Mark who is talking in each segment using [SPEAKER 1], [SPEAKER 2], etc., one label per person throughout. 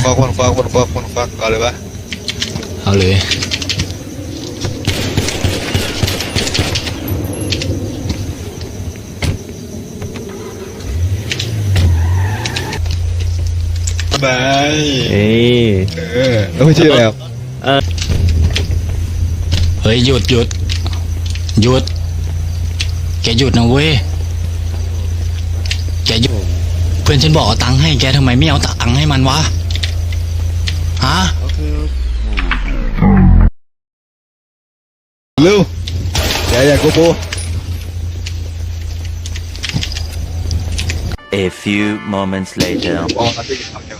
[SPEAKER 1] คนควักเอาเลยปะ
[SPEAKER 2] เอาเลย
[SPEAKER 1] บาย
[SPEAKER 3] เอ้ย
[SPEAKER 1] แล้วไม่ชื่ออะไรครับ
[SPEAKER 2] เฮ้ยหยุดแกหยุดนะเว้ยแกหยุดเพื่อนฉันบอกเอาตังค์ให้แกทำไมไม่เอาตังค์ให้มันวะฮะ
[SPEAKER 1] เร็วอย่าโกโบ
[SPEAKER 4] A few moments later.
[SPEAKER 1] ออกมาที่ทำ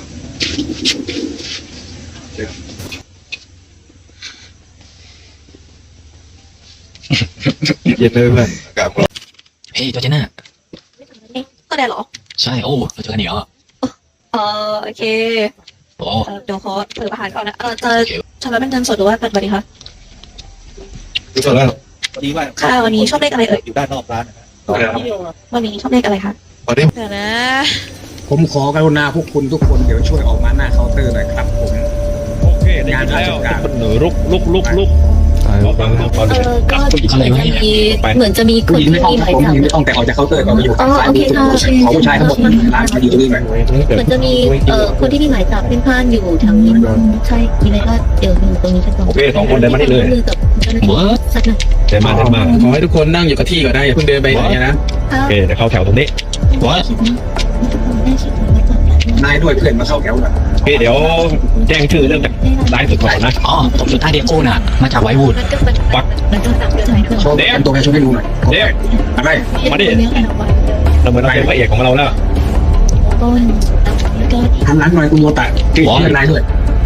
[SPEAKER 1] เย็นเลยเพื่อนอากาศร้อน
[SPEAKER 2] เฮ้ยจอร์จิน่า
[SPEAKER 5] ก็ได้เหรอ
[SPEAKER 2] ใช่โอ้เราเจอกันอีกเหรอ
[SPEAKER 5] โอเค
[SPEAKER 2] โอ้
[SPEAKER 5] เดี๋ยวขอเปิดอาหารก่อนนะจะชำระเป็นเงินสดหรือว่าบัตรดีคะ
[SPEAKER 1] ดูสดแล้ว
[SPEAKER 6] ดีว่า
[SPEAKER 5] ค่ะวันนี้ชอบเลขอะไรเอ่ย
[SPEAKER 6] อยู่ด้านนอกร้านนะครับ
[SPEAKER 5] วันนี้ชอบเลขอะไรคะ
[SPEAKER 1] วันนี้
[SPEAKER 5] เดี๋ยวนะ
[SPEAKER 7] ผมขอกรุณาพวกคุณทุกคนเดี๋ยวช่วยออกมาหน้าเคาน์เตอร์หน่อยครับผม
[SPEAKER 6] โอเคได้
[SPEAKER 7] งาน
[SPEAKER 6] ยิน
[SPEAKER 7] รา
[SPEAKER 6] แล้
[SPEAKER 7] ช
[SPEAKER 6] ว
[SPEAKER 7] การ
[SPEAKER 6] คนหนูลุก
[SPEAKER 5] ก็เหมือนจะมีเหมือนจะมีคน
[SPEAKER 7] ผู้หญิง
[SPEAKER 5] ที่
[SPEAKER 7] ไม่ต้อง
[SPEAKER 5] มีหมาย
[SPEAKER 7] ผม
[SPEAKER 5] จับ
[SPEAKER 7] ผู้หญิงไม่ต้องแต่ออกจากเคาน์เตอร์ก่อนมาอยู่
[SPEAKER 5] อ๋อโอเคค่ะโอเค
[SPEAKER 7] ขอผู้ชายทั้งหมดร้านมาอยู่ตรงนี้หน่อย
[SPEAKER 5] เหมือนจะมีคนที่มีหมายจับเป็นพานอยู่แถวนี้ใช่มีอะไรก็เดี๋ยวอยู่ตรงนี้กันก่อน
[SPEAKER 6] โอเคสองคนเดินมาได้เลย
[SPEAKER 5] มือกับเจ้าหน้าที่สักหน่อย
[SPEAKER 6] เดินมา
[SPEAKER 7] ขอให้ทุกคนนั่งอยู่กับที่ก่อนได้อย่าเพิ่งเดินไปไหนนะ
[SPEAKER 5] ค่ะ
[SPEAKER 6] โอเคเดี๋ยวเข้าแถวตรงนี้
[SPEAKER 2] วะ
[SPEAKER 7] นายด้วยเพื่อนมาเข้าแถวก่อน
[SPEAKER 6] โอเคเดี๋ยวแจ้งชื่อเรื่องจากรายสุดก่อนนะ
[SPEAKER 2] อ๋อผมสุดท้ายเดียโก้น่ะมาจากไวท์วูด
[SPEAKER 5] มันก็ตามเรื่องไหนเพื่อน
[SPEAKER 7] โชว์เป็นตัวแทนช่วยให้ดูหน่อย
[SPEAKER 6] เด็ก
[SPEAKER 7] อะไร
[SPEAKER 6] มาดิเราเหมือนเราเป็นพระเอกของเราแล้ว
[SPEAKER 5] ต้นก็
[SPEAKER 7] ทำร้านหน่อยคุณโมตะที่เพื่อนนายด้วย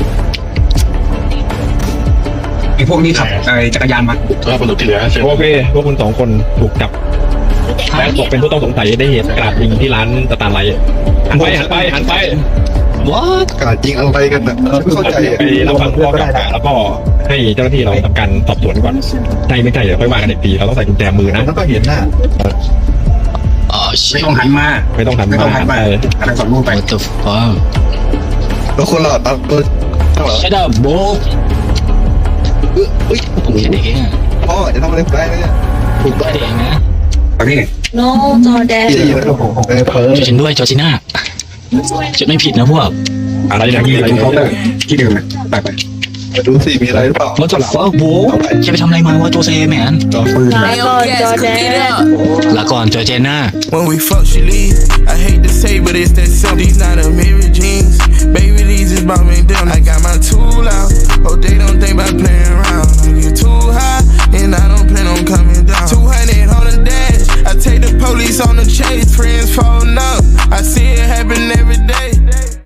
[SPEAKER 7] ไอ้พวกนี้ขับจักรยานมา
[SPEAKER 2] ตัวประตูที่เหลือ
[SPEAKER 6] โอเคพวกคุณสองคนถูกจับและตกเป็นผู้ต้องสงสัยได้เหตุกราดยิงที่ร้านสตาร์ไลท์หันไป
[SPEAKER 2] วะ
[SPEAKER 1] อากาศจริงอะไรกันนะไม่เข้าใจ
[SPEAKER 6] ไปรับฟังข้อกล่าวหาแล้วก็ให้เจ้าหน้าที่เราทำการสอบสวนก่อนใช่ไม่ใช่เดี๋ยวค่อยว่ากันอีกทีเราต้องใส่กุญแจมือนะ
[SPEAKER 1] มันก็เห็นหน้า
[SPEAKER 2] อ๋อ
[SPEAKER 7] ไม่
[SPEAKER 2] ชิ
[SPEAKER 7] ต้องหันมา
[SPEAKER 6] ไม่ต้องทำ
[SPEAKER 7] ไม่ต้องหันมา
[SPEAKER 6] ไป
[SPEAKER 7] อะไรสอนลูกไป
[SPEAKER 2] what the fuck
[SPEAKER 1] แล้วคนเราตั้งตัวตั้งหรอ
[SPEAKER 2] shut up bro ผมแค่เด็กเองอะ
[SPEAKER 1] พ่อจะทำอะไรได้เนี่ยถูก
[SPEAKER 2] แค่
[SPEAKER 1] ได้
[SPEAKER 2] เด็กเองนะ
[SPEAKER 7] ตอนนี้
[SPEAKER 5] โนจอแดน
[SPEAKER 1] ที่นี่นะครับผมเพิ่ม
[SPEAKER 2] ช่วยฉันด้วยจอร์จิน่าจะไม่ผิดนะพวก
[SPEAKER 6] อะไรเนี่ย
[SPEAKER 7] ที่
[SPEAKER 6] อะไร
[SPEAKER 7] เคาน์เตอ
[SPEAKER 6] เนี่ย
[SPEAKER 7] ร์ที่เดิมนะไป
[SPEAKER 1] มาดูสิมีอะไรหรือเปล่า
[SPEAKER 2] what the fuck bro แกไปทำอะไรมาวะโจเซแมน
[SPEAKER 7] ปืน
[SPEAKER 5] ลาก่อนจอแดน
[SPEAKER 2] ลาก่อนจอร์เจน่า
[SPEAKER 8] When we fuck, she leave. I hate to say, but it's that simple. These not a marriage.